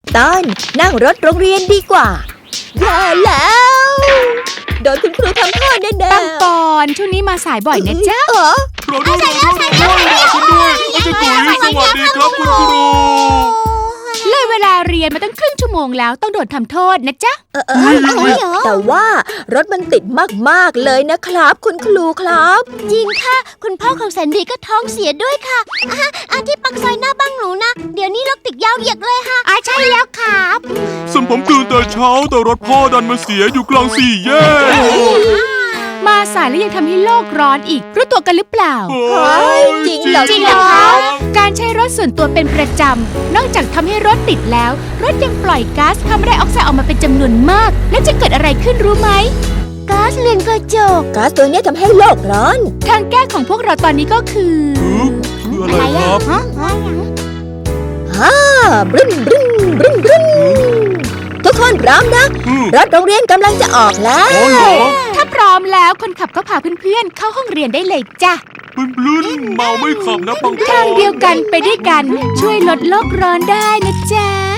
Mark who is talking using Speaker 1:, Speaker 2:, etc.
Speaker 1: ตอนนั่งรถโรงเรียนดีกว่าอย่าแล้วโดนคุณครูทำโทษแน่ๆ
Speaker 2: ปังปอนช่วงนี้มาสายบ่อยนะจ๊ะ
Speaker 3: รอด้วยรอคุณด้วยอาจารย์ตุ๋ยสวัสดีครับคุณครู
Speaker 2: เลยเวลาเรียนมาตั้งครึ่งชั่วโมงแล้วต้องโดนทำโทษนะจ๊ะ
Speaker 1: แต่ว่ารถมันติดมากๆเลยนะครับคุณครูครับ
Speaker 4: จริงค่ะคุณพ่อของแสนดีก็ท้องเสียด้วยค่ะที่ปักซอยหน้าบ้านหนูนะเดี๋ยวนี้รถติดยาวเหยียดเลยค่ะใช่แล้วครับ
Speaker 3: ส่วนผมตื่นแต่เช้าแต่รถพ่อดันมาเสียอยู่กลางสี่แยก
Speaker 2: มาสายแล้วยังทำให้โลกร้อนอีกรู้ตัวกันหรือเปล่า
Speaker 1: เฮ้ยจริงเหรอ
Speaker 2: จริงเหรอคะการใช้รถส่วนตัวเป็นประจำนอกจากทำให้รถติดแล้วรถยังปล่อยก๊าซคาร์บอนไดออกไซด์ออกมาเป็นจำนวนมากและจะเกิดอะไรขึ้นรู้ไหม
Speaker 4: ก๊าซเรือนกระจก
Speaker 1: ก๊าซตัวนี้ทำให้โลกร้อน
Speaker 2: ทางแก้ของพวกเราตอนนี้ก็คือ
Speaker 3: คืออะไรครับ
Speaker 1: บรึ้นบรึ้นบรึ้นบรึ้นทุกคนพร้อมนะรถโรงเรียนกำลังจะออกแล้ว
Speaker 3: อ๋อเหรอ
Speaker 2: ถ้าพร้อมแล้วคนขับก็พาเพื่อนๆเข้าห้องเรียนได้เลยจ้ะ
Speaker 3: บลื้นเมาไม่ขับนะปังปอน
Speaker 2: ทางเดียวกันไปด้วยกันช่วยลดโลกร้อนได้นะจ๊ะ